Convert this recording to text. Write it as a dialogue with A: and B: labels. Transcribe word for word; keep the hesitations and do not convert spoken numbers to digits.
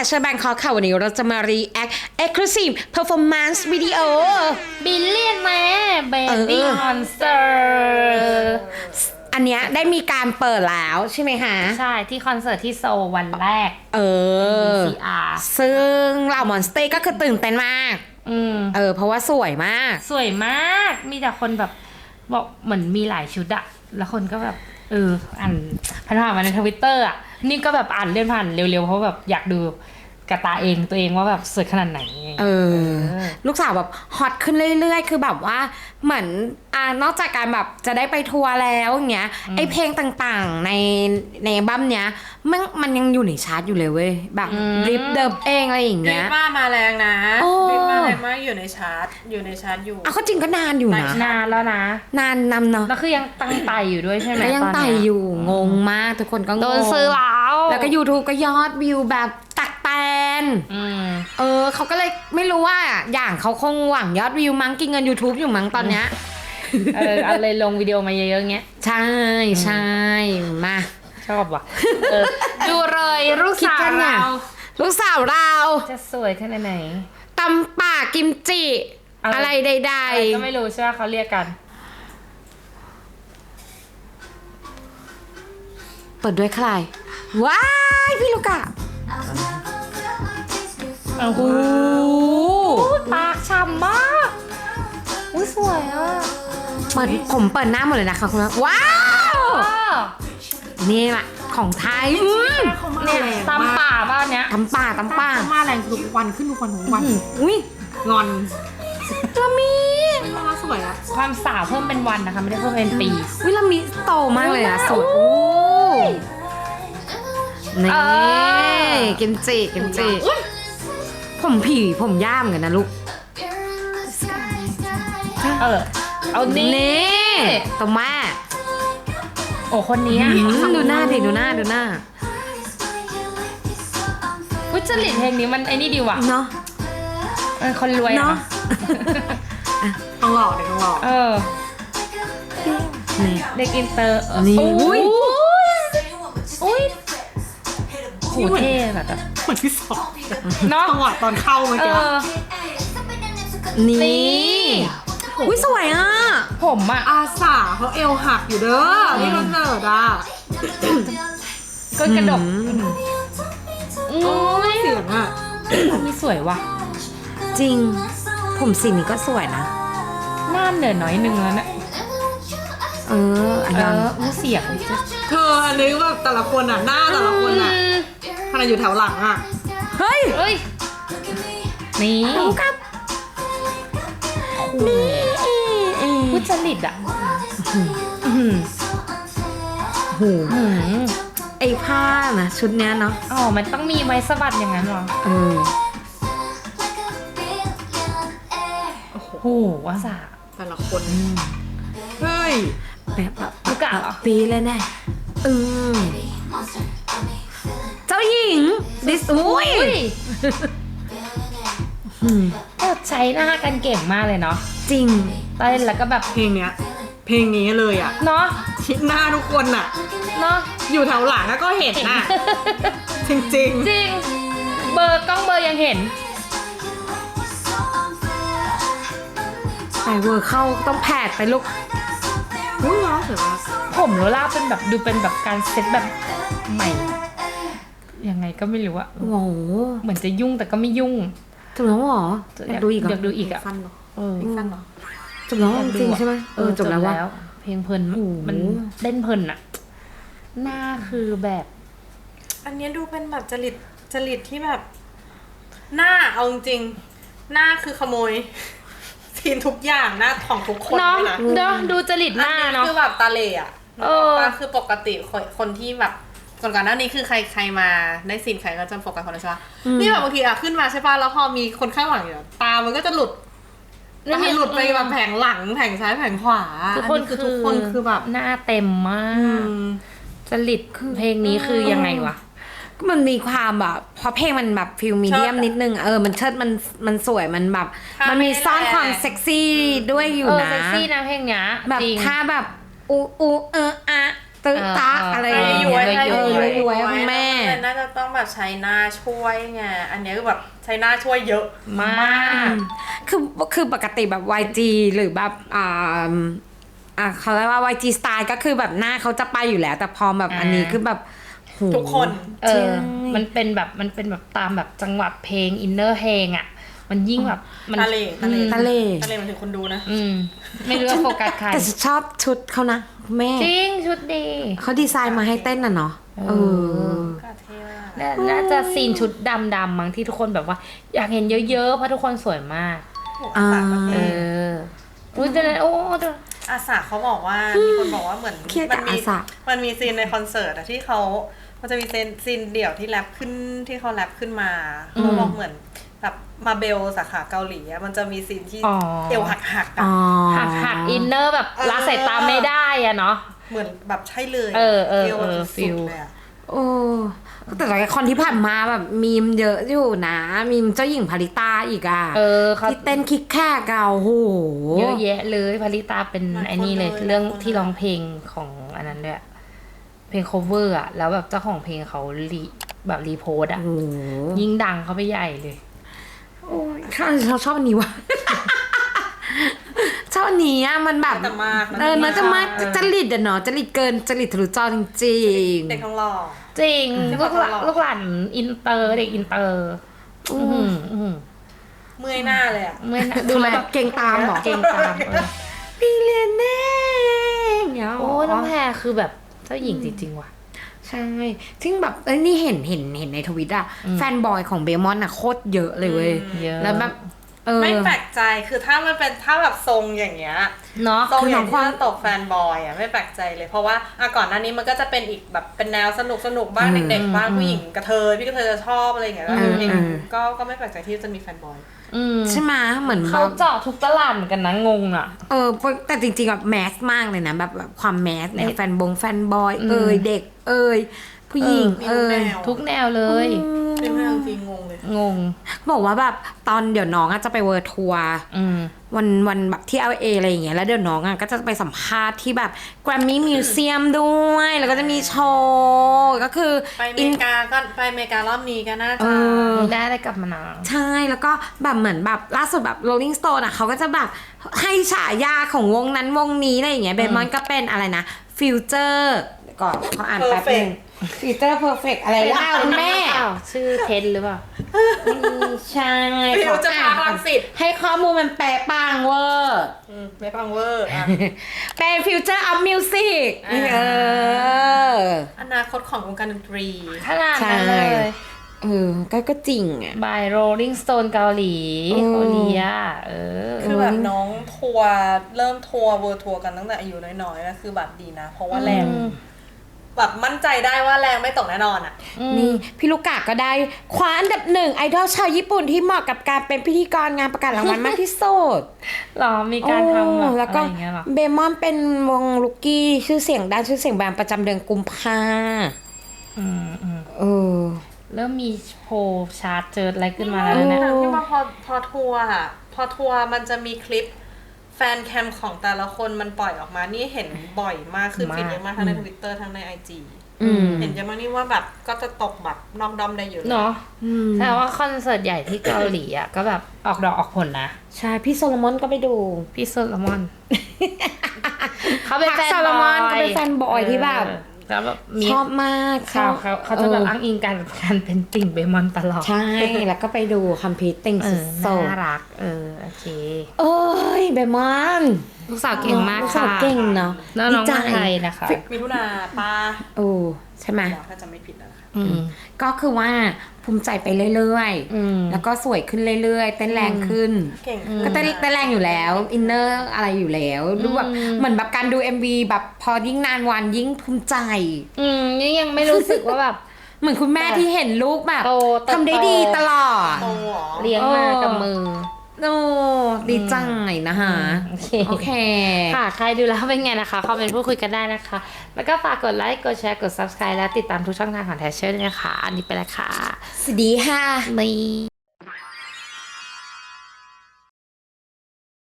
A: Catcher Bangkok ค่ะวันนี้เราจะมา react exclusive performance video
B: บิลเลียนแม่เบ
A: เอ
B: บี้
A: อ
B: คอนเสิร์ต
A: อันเนี้ยได้มีการเปิดแล้วใช่ไหมคะ
B: ใช่ที่คอนเสิร์ตที่โซลวันแรก
A: เออ
B: ซี อาร์
A: ซึ่งเหล่ามอนสเตย์ก็คือตื่นเต้นมาก
B: อืม
A: เออ เพราะว่าสวยมาก
B: สวยมาก มีแต่คนแบบบอกเหมือนมีหลายชุดอะแล้วคนก็แบบ เออ อ่านผ่านๆมาในทวิตเตอร์อะนี่ก็แบบอ่านเลื่อนผ่านเร็วๆ เพราะแบบอยากดูกระตาเองตัวเองว่าแบบสวยขนาดไหน
A: เออ ลูกสาวแบบฮอตขึ้นเรื่อยๆ คือแบบว่าเหมือนอ่านอกจากการแบบจะได้ไปทัวร์แล้วอย่างเงี้ย ไอเพลงต่างๆในในอัลบั้มเนี้ยมันมันยังอยู่ในชาร์ตอยู่เลยเว้ย แบบริปเดิมเองอะไรอย่าง
C: ริ
A: เงี้ย
C: ปมามาแรงนะ
A: โอ้
C: ริปมาแรงมากอยู่ในชาร์ตอยู่ในชาร์ตอยู่
A: อ่ะเขาจริงก็นานอยู่นะ
B: นานแล้วนะ
A: นานนำเนาะ
B: แล้วคือยังตั้งไตอยู่ด้วยใช่ไหม
A: แล้วยัง
B: ตน
A: ไต่
B: เนี้
A: อยู่งงมากทุกคนก็งง
B: โดนซื้อแล้ว
A: แล้วก็ YouTube ก็ยอดวิวแบบตักแตน
B: อืม
A: เออเขาก็เลยไม่รู้ว่าอย่างเขาคงหวังยอดวิวมั้งกินเงิน YouTube อยู่มั้งตอนเนี้ย
B: เออเอาเลยลงวิดีโอมาเยอะๆเงี้ย
A: ใช่ใช่มา
B: ชอบว่ะเออดูเลยลูก
A: คิด
B: สาว
A: กันเนี่ย
B: เรา
A: ลูกสาวเรา
B: จะสวยขนาดไหน
A: ตำป่ากิมจิ
B: อะไร
A: อะไรใด
B: อะไรก็ไม่รู้ใช่ไหมเขาเรียกกัน
A: ๆ เปิดด้วยใครว้ายพี่ลูกอะโอ้โห
B: ปากฉ่ำมากอุ้ยสวยอ่ะ
A: เปิดผมเปิดหน้าหมดเลยนะคะคุณผู้ชมว้าว นี่แหละของไทยอืม
B: เนี่ยตำป่าบ้านเนี้ย
A: ตำป่าตำป่า
C: มาแรงทุกวันขึ้นทุกวันทุกวัน
A: อุ้ย
C: งอน
A: ละมี
C: มาสวยอะ
B: ความสาวเพิ่มเป็นวันนะคะไม่ได้เพิ่มเป็นปี
A: อุ้ยละมีโตมากเลยอะสวยโอ้นี่
B: เออ
A: กิมจิกิมจิผมผีผมย่ามกันนะลูก
B: เออเอานี่
A: นี่ตัวแม่
B: โอ้คนนี้อ่ะ
A: อืมดูหน้าดิดูหน้าดูหน้า
B: อุ้ยจริตเพลงนี้มันไอ้นี่ดีว่ะ
A: เนาะ
B: เออคนรวย
A: เนาะ
B: อ่ะ
C: ต้องหล่อเด็กต้องหล่อ
B: เออ
A: นี่
B: เด็กอินเตอร์
A: นี่
B: อุ้ย
A: อุ้ย
B: อุ้ยโหเท่แบบแบบ
C: เหมือนที่สอง
B: เนาะ
C: จังหวะตอนเข้าเมื่อ
B: เอ
C: กี้
B: อ
A: นี่
B: นี่
A: อุ้ยสวยอ่ะ
B: ผมอ่ะ
C: อาสาเขาเอวหักอยู่เด้อที่คอนเสิร์ตอะ
B: ก็กระดกอุ้ย
C: เสียงอะ
B: มีสวยว่ะ
A: จริง ผมสีนี้ก็สวยนะ
B: หน้าเหนือน้อยนึงแล้วนะ
A: เอออัน
B: เอ
A: นั้น
B: ออู้เสียง
C: เธออันนี้แบบแต่ละคนอะหน้าแต่ละคนอะขนาดอยู่แถวหลังอะ
A: เฮ้ย
B: เอ้ย นี่
A: น้องกับนี่เอง
B: ผู้จริตอ่ะอื้อหือ
A: โห
B: อื้อหือ
A: ไอ้ผ้านะชุดเนี้ยเนาะ
B: อ๋อ มันต้องมีไว้สะบัดอย่างนั้นเหรอ
A: เออ
B: โอ้โหว่าสา
C: แต่ละคนเฮ้ย
A: แบบแบบ
B: ลูกกะเหรอ
A: ปีเลยแน่เออเจ้าหญิงดิสอุ้ย
B: อุ้ย
A: อืม
B: ก็ใช้หน้ากันเก่งมากเลยเนาะ
A: จริง
B: เต้นแล้วก็แบบ
C: เพลงเนี้ยเพลงนี้เลยอะ
B: เนาะ
C: ชิดหน้าทุกคนอะ
B: เนาะ
C: อยู่แถวหลังอะก็เห็นน่ะจริง
B: จริง เบอร์กล้องเบอร์ยังเห็น
A: ใส่เวอร์เข้าต้องแผดไปลูก
C: ๆอุ้ยร้อนสวยมาก
B: ผมโรล่าเป็นแบบดูเป็นแบบการเซ็ตแบบใหม่ ยังไงก็ไม่รู้อะ
A: โอ้โห
B: เหมือนจะยุ่งแต่ก็ไม่ยุ่ง
A: จบแล้วเหรออยากดูอีกเหร
B: อยากดูอีกอะ
C: สั้นเหรอ
B: เออ
C: สั้นเหรอ
A: จบแล้วจริงใช่ไหมเออจบแล้วว่า
B: เพลงเพลิน
A: โอ้โห
B: มันเล่นเพลินอะหน้าคือแบบ
C: อันเนี้ยดูเป็นแบบจริตจริตที่แบบ หน้าเอาจริงๆหน้าคือขโมยทีมทุกอย่างหน้าของทุกคน
B: เนาะ
C: เลยนะ
B: เนาะดูจริตหน้า
C: อัน
B: เนาะ
C: นี้คือแบบตาเหล่อะ
B: เออ
C: ก็คือปกติคนคนที่แบบก่อนก่อนหน้านี้คือใครใครมาได้ซีนใครก็จะโฟกัสคนนั้นใช่ปะนี่แบบบางทีอะขึ้นมาใช่ปะแล้วพอมีคนข้างหลังอยู่ตามันก็จะหลุดตาหลุดไปแบบแผงหลังแผงซ้ายแผงขวา
B: ทุกคน
C: อั
B: คือ
C: ทุกคนคือแบบ
B: หน้าเต็มมา
C: อื
B: ก
C: ม
B: จริตเพลงนี้คือยังไงวะ
A: มันมีความแบบเพราะเพลงมันแบบฟิลมีเดียม
C: เชิดอะ
A: นิดนึงเออมันเชิดมันมันสวยมันแบบ
C: ท่า
A: มันมีซ่อน
C: ไม่แรง
A: ความเซ็กซี่ด้วยอยู่
B: เออ
A: นะ
B: เซ็กซี่นะเพลงเนี้ย
A: แบบ
B: จริง
A: ท่าแบบอูอูเอออะตึ๊กตักอะไรอย่าง
C: ย้
A: เงี้
C: วย
A: ย
C: ๆ
A: เออย้วยๆคุณแม่
C: น่าจะต้องแบบใช้หน้าช่วยไงอันนี้คือแบบใช้หน้าช่วยเยอะ
B: มาก
A: คือคือปกติแบบ วาย จี หรือแบบอ่าอ่าเขาเรียกว่า วาย จี Style ก็คือแบบหน้าเขาจะไปอยู่แล้ว แต่พอแบบอันนี้คือแบบโห
C: ทุกคน
B: เอ
A: ใช่
B: อ มันเป็นแบบมันเป็นแบบตามแบบจังหวะเพลงอินเนอร์เพลงอ่ะ มันยิ่งแบบมัน
C: ทะเลทะเล
B: อืม
A: ทะเล
C: ทะเลมันถึงคนดูนะ
B: อืมไม่รู้ว่าโฟกัสใคร
A: แต่ฉันชอบชุดเขานะแม่
B: จริงชุดดี
A: เขาดีไซน์มาให้เต้นน่ะเนาะเออ
C: ก็เท่มาก
B: น่าน่าจะซีนชุดดำๆมั้งที่ทุกคนแบบว่า อยากเห็นเยอะๆ เพราะทุกคนสวยมาก
C: อาสาประเท
B: เอ
C: ศ
B: ออุ้ยเดี๋ยวนะโอ้เดี๋ยว
C: อาสาเขาบอกว่ามีคนบอกว่าเหมือน
A: เครียด
C: มั
A: กับ
C: มี
A: อาสา
C: มันมีซีนในคอนเสิร์ตอะที่เขามันจะมีซีนซีนเดี่ยวที่แรปขึ้นที่เขาแรปขึ้นมาเขาบอกเหมือนแบบมาเบลสาขาเกาหลีอะมันจะมีซีนที่
B: อ๋อ
C: เอวหักหักๆอะ
A: อ๋อ
B: หักหักอินเนอร์แบบ
C: เออ
B: ละสายตาไม่ได้อะเนาะ
C: เหมือนแบบใช่เลย
B: เออเออ
C: วแบบ
B: เออ
C: สุด
B: feel
C: ๆเลยอะ
A: โอ้แต่ละครที่ผ่านมาแบบมีมเยอะอยู่นะมีมเจ้าหญิงพาริตาอีกอ่ะ
B: เออเขา
A: ที่เต้นคิกแค่เกาโห
B: เยอะแยะเลยพาริตาเป็นไอ้นี่เลย เรื่องที่ร้องเพลงของอันนั้นด้วยเพลง cover อะแล้วแบบเจ้าของเพลงเขารีแบบรีโพสต์อะ
A: โอ้โห
B: ยิ่งดังเขาไปใหญ่เลย
A: โอ้ยข้าเราชอบอันนี้ว่ะ ชอบอันนี้อ่ะมันแบบ
C: แต่มาก
A: เออเนอะจะมาก
B: เออ
A: จริตอะเนาะจริตเกินจริตทะลุจอจริงๆ
C: เด็กทองหล่อ
B: จริง
C: ที่
B: ลู
C: เขา
B: กหลาน
C: ตลอด
B: ลูกหลานอินเตอร์เด็กอินเตอร์อือหืออื้อหือ
C: เมื่อยหน้าเลยอะ
B: ไม่น่า
A: ดู
B: ดู
A: แล
B: แล
A: แบบเก่งตามเหรอ
B: เก่งตามเออ
A: พี่เรียนแน่อย่างเงี้ย
B: โอ้น้องแพรคือแบบเจ้าหญิงจริงๆว่ะ
A: ใช่ซึ่งแบบเอ้ยนี่เห็นเห็นเห็นในทวิตอะ
B: อืม
A: แฟนบอยของเบมอนอะโคตรเยอะเลยเว้ย
B: เยอะ
A: แล้วแบบเออ
C: ไม่แปลกใจคือถ้ามันเป็นถ้าแบบทรงอย่างเงี้ย
B: เนาะ
C: ทรง
A: คือ
C: อ
A: น้
C: ย่า
A: อง
C: ง
A: ควา
C: ที่
A: ม
C: ตกแฟนบอยอ่ะไม่แปลกใจเลย เพราะว่าอ่ะก่อนหน้านี้มันก็จะเป็นอีกแบบเป็นแนวสนุกสนุกบ้าง
A: อืม
C: เด็กๆบ้าง
B: อืม
C: ผู้หญิงกระเทยพี่กระเทยจะชอบอะไรอย่างเงี้ยแล้ว
A: อืม
C: เด็ก
A: อืม
C: ก็ก็ไม่แปลกใจที่จะมีแฟนบอย
B: อืม
A: ใช่ไหมเหมือนแบ
B: เขา
A: บ
B: เจาะทุกตลาดเหมือนกันนะงงอ่ะ
A: เออแต่จริงๆแบบแมสมากเลยนะแบบแบบความแมสเนี่ย
B: เด็ก
A: แฟนบงแฟนบอย
B: อืม
A: เอ่ยเด็ก เอ่ยผู้หญิง
C: มี
A: เอ่
C: ทุก
A: ย
C: แนว
B: ทุกแนวเลย
C: เป็นเรื่องจริงงงเลย
B: งง
A: บอกว่าแบบตอนเดี๋ยวน้องอะจะไปเวิร์ทัวร์
B: อืม
A: วันวันแบบที่ แอล เอ อะไรอย่างเงี้ยแล้วเดี๋ยวน้องอ่ะก็จะไปสัมภาษณ์ที่แบบแกรมมี่มิวเซียมด้วย แล้วก็จะมีโชว์ก็คือ
C: ไปอเมริกาก็ไปอเมริการอบนี้ก็น่า
A: เอ
C: จะ
A: อ
B: มีได้ได้กลับมานา
A: ใช่แล้วก็แบบเหมือนแบบล่าสุดแบบ Rolling Stone อ่ะเขาก็จะแบบให้ฉายาของวงนั้นวงนี้อะไรอย่างเงี้ยเบมอนก็เป็นอะไรนะฟิวเจอร์ก่อนเขาอ่านแป๊บนึงฟิวเจอร์เพอร์เฟกอะไรล่ะคุณแม่
B: อ้าวชื่อเทนหรือเปล่า
A: ใช่
C: ฟิวจะพาพลังสิทธิ์
A: ให้ข้อมูลมันแปลปังเวอร์
C: อืมไม่ฟังเวอร์อ่ะ
A: เป็นฟิวเจอร์ออฟมิวสิก
C: อ่า
A: เออ
C: อนาคตของวงการดนตรี
B: ขนาดนั้นเลย
A: เออ ก็ก็จริงอ่ะ
B: by Rolling Stone เกาหลี
A: อืม
B: เกาหลีอ่ะเออ
C: คือแบบน้องทัวร์เริ่มทัวร์เวิร์ทัวร์กันตั้งแต่อายุน้อยๆนะคือแบบดีนะ เพราะว่าแรง
B: อืม
C: แบบมั่นใจได้ว่าแรงไม่ตกแน่นอนอ่ะ
A: นี่พี่ลูกกาก็ได้คว้าอันดับหนึ่งไอดอลชาวญี่ปุ่นที่เหมาะกับการเป็นพิธีกรงานประกาศรางวัลมากที่สุด
B: หรอมีการทำแบบ
A: โอ้แล้ว
B: อะไร
A: ก็
B: อย่างเงี้ยหรอ
A: เบมอนเป็นวงลูกกี้ชื่อเสียงด้านชื่อเสียงแบรนด์ประจำเดือนกุมภา
B: อืมอืม
A: เออ
B: เริ่มมีโพลชาร์ตเจออะไรขึ้นมาแล้วเนี่ย
A: เออ
C: ที่มาพอพอทัวร์อะพอทัวร์มันจะมีคลิปแฟนแคมของแต่ละคนมันปล่อยออกมานี่เห็นบ่อยมากขึ้น
B: มาก
C: ฟีดเยอะมากทั้งในทวิตเตอร์ทั้งในไอจี
A: อืม
C: เห็นเยอะมากนี่ว่าแบบก็จะตกแบบนอกดอมได้อยู่
B: เนาะ
A: อืม
B: แต่ว่าคอนเสิร์ตใหญ่ที่เกาหลีอ่ะ ก็แบบออกดอกออกผลนะ
A: ใช่พี่โซโลมอนก็ไปดู
B: พี่โซโลมอน เขาเป็น
A: พัก
B: แฟน
A: โซ
B: บ
A: โลม
B: อ
A: อน
B: ย
A: ก็เป็นแฟนบอยที่แบบ
B: เออแล้วแบบมี
A: ชอบมาก
B: เขาเขาเขาจะแบบ
A: เออ
B: อ้างอิงการการเป็นติ่งเบมอนตลอด
A: ใช่ แล้วก็ไปดูคัมพีตติ้ง
B: เอ
A: สุ
B: อ
A: ดโซ
B: น่ารัก เออ โอเค
A: เอ้ยเบมอน
B: ลูกสาวเก่งมาก
A: ลูกสา
B: ค่ะ
A: วเก่งเนาะ
B: น้อง
A: ดี
B: น้อง
A: ใจ
B: มาไทยนะคะ
C: มีทุนาป้า
A: โอ้ใช่ไหม
C: ถ้าจะไม่ผิดนะคะ
B: อืม
A: ก็คือว่าภูมิใจไปเรื่อย
B: อืม
A: ๆ แล้วก็สวยขึ้นเรื่อยๆ เต้นแรงขึ้น
C: เก่งขึ้น
A: ก็เต้นเต้นแรงอยู่แล้ว อินเนอร์อะไรอยู่แล้วดูแบบ
B: อืม
A: เหมือนแบบการดู เอ็ม วี แบบพอยิ่งนานวันยิ่งภูมิใจ
B: อืมนี่ยังไม่รู้สึกว่าแบบ
A: เหมือนคุณแม่ที่เห็นลูกแบบ
B: โตเติบโต
A: ทำได้ดีตลอด
C: โตเหรอ
B: เลี้ยงมากับมือ
A: โอ้ดีใจนะคะ
B: โอเค
A: โอเค
B: ค่ะ ใครดูแล้วเป็นไงนะคะ คอมเมนต์พูดคุยกันได้นะคะ แล้วก็ฝากกดไลค์ กดแชร์ กด ซับสไครบ์ และติดตามทุกช่องทางของแทชเชอร์ด้วยนะคะ อันนี้ไปแล้วค่ะ
A: สวัสดีค่ะ
B: นี่